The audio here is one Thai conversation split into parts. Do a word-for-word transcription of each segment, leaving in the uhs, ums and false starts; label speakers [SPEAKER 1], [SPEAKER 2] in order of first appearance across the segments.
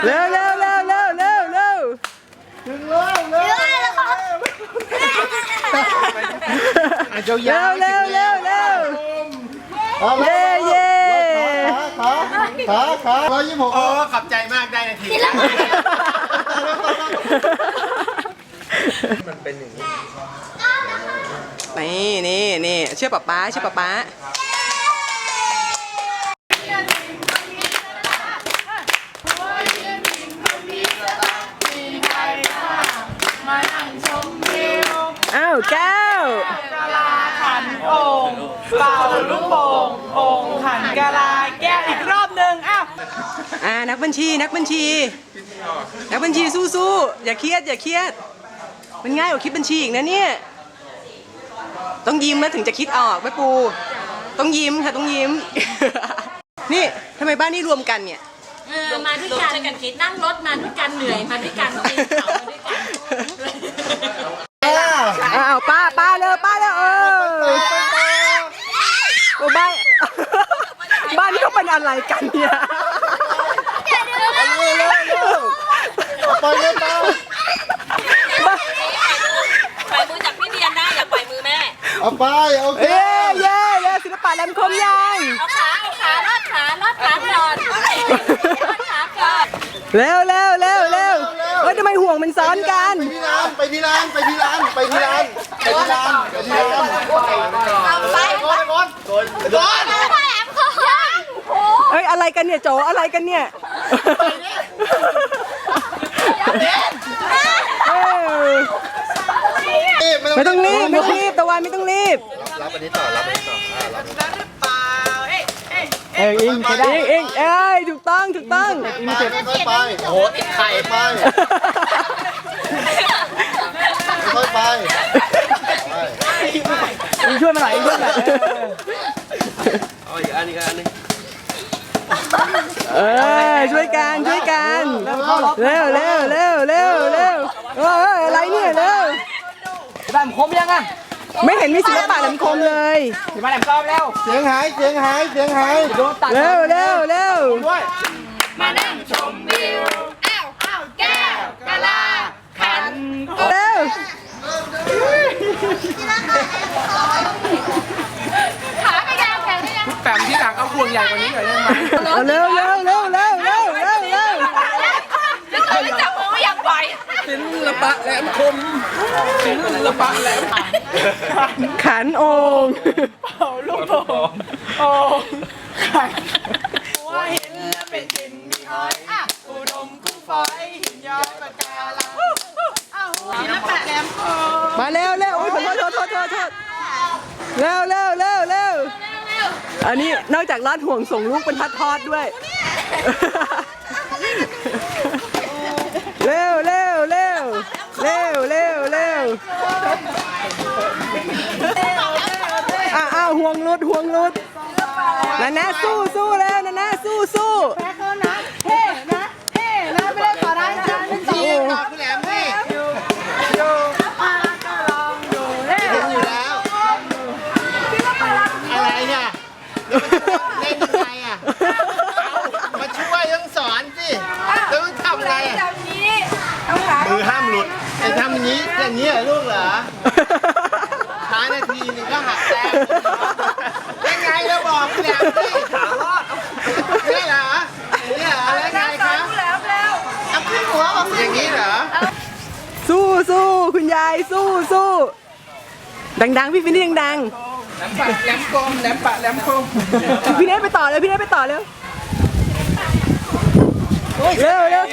[SPEAKER 1] เร็วเร็วเร็วเร็วเร็วเร็ว
[SPEAKER 2] ถึงแล้วเร็วเร็ว
[SPEAKER 1] เร็วเร็วเร็วเร็วเย้เย้
[SPEAKER 2] ขาขาขาร้อยยี่สิบหก
[SPEAKER 3] โอ้ขอบใจมากได้นาทีมันเป็นอย่างนี้
[SPEAKER 1] นี่นี่นี่เชื่อป๊าป๊าเชื่อป๊าป๊าอ้าวแก้ว
[SPEAKER 4] กะลาขันโอ่งเป่าลูกโป่งโอ่งขันกะลาแก้วอีกรอบหนึ่งอ้าว
[SPEAKER 1] อ่านักบัญชีนักบัญชีนักบัญชีสู้ๆอย่าเครียดอย่าเครียดมันง่ายกว่าคิดบัญชีอีกนะเนี่ยต้องยิ้มแล้วถึงจะคิดออกแม่ปูต้องยิ้มค่ะต้องยิ้ม นี่ทำไมบ้านนี้รวมกันเนี่ย
[SPEAKER 5] เออมาด้วยกันกันคิดนั่งรถมาด้วยกันเหนื่อยมาด้วยกันปีนเขามาด้วยกัน
[SPEAKER 1] อ้าวป้าป้าเร็วป้าเร็วเออโอ้บ้าน บ้านนี้เขาเป็นอะไรกันเนี่ย
[SPEAKER 2] ไปเลยตา
[SPEAKER 5] ปล่อยมือจากพี่เดียนได้อย่าปล่อยมือแม่
[SPEAKER 2] เอาไปโอเค
[SPEAKER 1] เย้เย้เย้ศิลปะแหลมคมยัง
[SPEAKER 5] เอาขาเอาขาลอดขาลอดขาก่อนลอดขาก่อน
[SPEAKER 1] เร็วเร็วเร็วเร็วเฮ้ยทำไมห่วงมันซ้อนกัน
[SPEAKER 2] ไปที่ร้านไปที่ร้านไปที่ร้านไปที่ร้านไปที่ร้านไปที่ร้านไปก่อนก่อนก่อน
[SPEAKER 5] พ่อแหลมคอ
[SPEAKER 1] เอ้ยอะไรกันเนี่ยโจอะไรกันเนี่ยเออไม่ต้องรีบไม่ต้องรีบตะวันไม่ต้องรีบ
[SPEAKER 2] รับอันนี้ต่อรับอันนี้ต่อรับ
[SPEAKER 4] ได้หรือเปล่าเอ้ยเอ้ย
[SPEAKER 1] เอ้ยอิงใช่ได้เองเอ้ยถูกต้องถูกต้อง
[SPEAKER 2] ไปค่อยไปโอ้โหติดไข่ไปค่อยไป
[SPEAKER 1] อิงช่วยมาหน่อยอิงช่วยมาหน่อย
[SPEAKER 3] เอาอีกอันอีกอันนึง
[SPEAKER 1] เออช่วยกันช่วยกันเร็วเร็วเร็วเร็วเร็วเอออะไรเนี่ยเร็ว
[SPEAKER 4] บ้านคมยังอ่ะ
[SPEAKER 1] ไม่เห็นมีศิลปะแหลมคมเลย
[SPEAKER 4] บ้านแหลมซ้อมแล้ว
[SPEAKER 2] เสียงหายเสียงหายเสียงหาย
[SPEAKER 4] โดนตัด
[SPEAKER 1] เร็วเร็วเร็ว
[SPEAKER 2] ด้วย
[SPEAKER 5] มานั่งชมวิวอ้าวอ้าวแก้วกะลาขัน
[SPEAKER 1] เร็ว
[SPEAKER 5] ขาไม่ยาวแขนไม่ยาว
[SPEAKER 4] แปมที่หลังเอาพวงใหญ่กว่านี้หน่อยได้ไหม
[SPEAKER 1] เร็วเร็วเร็วเร็วเร็วเร็วเร็ว
[SPEAKER 5] แล้วก็ไม่จับมือไม่อยากปล่อย
[SPEAKER 4] ศิลปะแหลมคมศิลปะแหลม
[SPEAKER 1] ขันโอ่ง
[SPEAKER 4] เป่าลูกโป่งโอ่งขันว่าเห็นแล้วเป็นดินมีหอยอุดมกุ้งฝอยหินย้อยปะการังอ้าวศิลปะแหลมคม
[SPEAKER 1] มาเร็วเร็วโอ้ยขอโทษโทษโทษโทษโทษเร็วเร็วเร็วเร็วอันนี้นอกจากลอดห่วงส่งลูกเป็นพัดทอดด้วยเร็วเร็วเร็วเร็วเร็วเร็วอ้าวอ้าวห่วงรุดห่วงรุดนานาสู้สู้แล้วนานาสู้สู้
[SPEAKER 4] เท่นะเท่นะไม่ได้ขอได้นะ
[SPEAKER 2] นี่คุณแหลมนี่
[SPEAKER 4] อยู่อยู่มาก็ลองอยู่เล่น
[SPEAKER 2] อยู่แล้วอะไรเนี่ยเล่นยังไงอ่ะมาช่วยต้องสอนสิต้องทำอะไรอ่ะ
[SPEAKER 4] แบบนี้เอาขา
[SPEAKER 2] มือห้ามหลุดไอ้ทำอย่างนี้อย่างนี้เหรอลูกเหรอท้ายนาทีนึงก็หักแต้มยังไงเราบอกคุณแหลมสิขารอดนี่เหรอนี่เหรอแล้วไงครับ
[SPEAKER 4] แล้วแล้ว
[SPEAKER 2] เอาขึ้นหัวบอกอย่างนี้เหรอ
[SPEAKER 1] สู้สู้คุณยายสู้สู้ดังๆพี่ฟินนี่ดัง
[SPEAKER 4] แหลมปะแหลมคมแหลมปะแหลมคม
[SPEAKER 1] ๆพี่เนทไปต่อเลยพี่เนทไปต่อเร็วเร็วเร็ว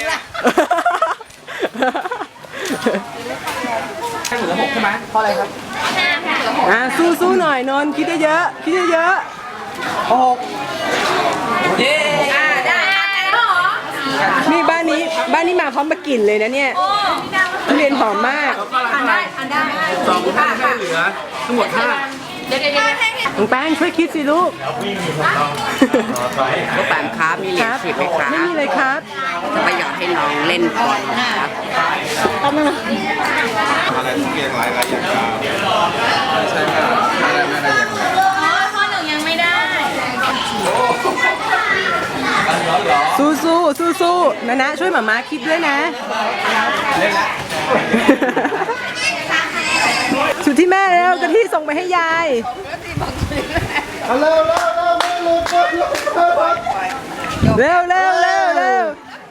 [SPEAKER 4] ให้เหลือหกใช่ไหมเพราะอะไรครับ
[SPEAKER 1] อ่ะสู้สู้หน่อยนนท์คิดเยอะๆคิดเยอะ
[SPEAKER 4] หกเย้อ่าได้
[SPEAKER 1] ๆนี่บ้านนี้บ้านนี้มาพร้อมกับกลิ่นเลยนะเนี่ยทุเรียนหอมมาก
[SPEAKER 4] ทานได้ทานได้สองห้าไม่เหลือทั้งหมดห้า
[SPEAKER 5] เดี๋ยวเดี๋ยวเดี๋ยว
[SPEAKER 1] น้องแป้งช่วยคิดสิลูก
[SPEAKER 6] ก็แปมครับมีเหรียญสิบไหมครับ
[SPEAKER 1] ไม่มีเลยครับ
[SPEAKER 6] จะประหยัดให้น้องเล่นบอลครับ
[SPEAKER 3] อะไรทุกอย่างหลายหลายอย่างใช่ไหมอะไรอะไรอย่าง
[SPEAKER 5] พ่อหนูยังไม่ได้
[SPEAKER 1] สู้สู้สู้สู้นะนะช่วยหมาม้าคิดด้วยนะ สุดที่แม่แล้วกะทิส่งไปให้ยาย
[SPEAKER 2] เอาเร็วเร็วเร็วเร็วเร็วเร็วเร็ว
[SPEAKER 1] เร็วเร็วเร็วเร็ว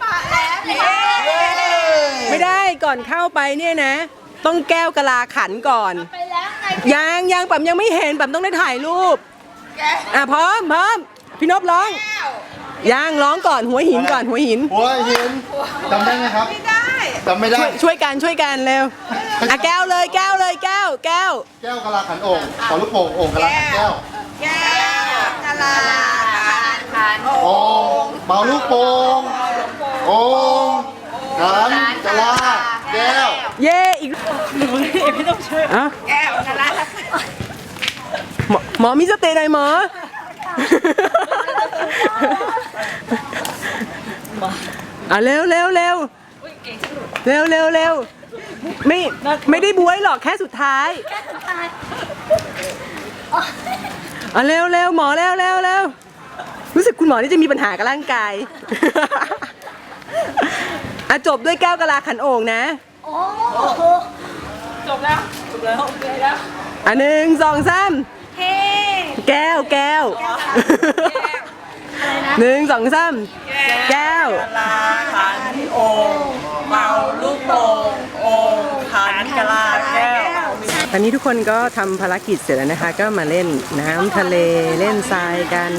[SPEAKER 1] ไม่ได้ก่อนเข้าไปเนี่ยนะ ต้องแก้วกะลาขันก่อน
[SPEAKER 5] ไปแล้วไง
[SPEAKER 1] ยังยังปั๊มยังไม่เห็นปั๊มต้องได้ถ่ายรูปอ่ะพร้อมพร้อมพี่นพร้องยังร้องก่อนหัวหินก่อนหัวหิน
[SPEAKER 2] หัวหินจำได้ไหมครับจำไม่ได้
[SPEAKER 1] ช่วยช่วยกันช่วยกันเร็วอ่ะแก้วเลยแก้วเลยแก้วแก้ว
[SPEAKER 2] แก้วกะลาขันโอ่งขอลูกโป่งโอ่งกะลาขันแก้ว
[SPEAKER 5] แก้วกะลาขัน
[SPEAKER 2] โอ่งเป่าลูกโป่งโอ่งขันกะลาแก้ว
[SPEAKER 1] เย่อีกพี่ต้องช่วยอ่ะ
[SPEAKER 5] แก้วกะลา
[SPEAKER 1] หมอหมอมีสติหน่อยหมออ่ะเร็วเร็วเร็วเร็วเร็วเร็วไม่ไม่ได้บวยหรอกแค่สุดท้ายอ่ะเร็วเร็วหมอเร็วเร็วเร็วรู้สึกคุณหมอนี่จะมีปัญหากับร่างกายอ่ะจบด้วยแก้วกะลาขันโอ่งนะจบแล้วจบแล้วอ่ะหนึ่งสองสาม
[SPEAKER 5] เฮ้
[SPEAKER 1] แก้วแก้วหนึ่งสองสามแก้ว
[SPEAKER 4] ลาขันโอ่งเป่าลูกโป่งโอ่งขันกะลาแก้ว
[SPEAKER 1] ตอนนี้ทุกคนก็ทำภารกิจเสร็จแล้วนะคะ ก็มาเล่นน้ำทะเลเล่นทรายกัน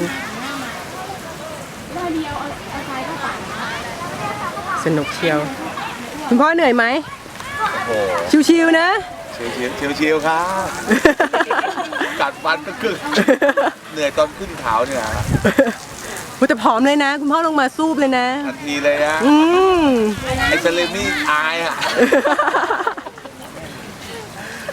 [SPEAKER 1] สนุกเชียว คุณพ่อเหนื่อยไหม
[SPEAKER 3] โอ้
[SPEAKER 1] ชิวๆนะ
[SPEAKER 3] ชิวชิวชิวๆครับ กัดฟันก็กึกเหนื่อยตอนขึ้นเขาเนี่ยฮะ
[SPEAKER 1] ว่าแต่ผอมเลยนะ คุณพ่อลงมาซูบเลยนะ
[SPEAKER 3] ทันทีเลยอะ
[SPEAKER 1] อืม
[SPEAKER 3] ไอ้เซเลมนี่อายอะ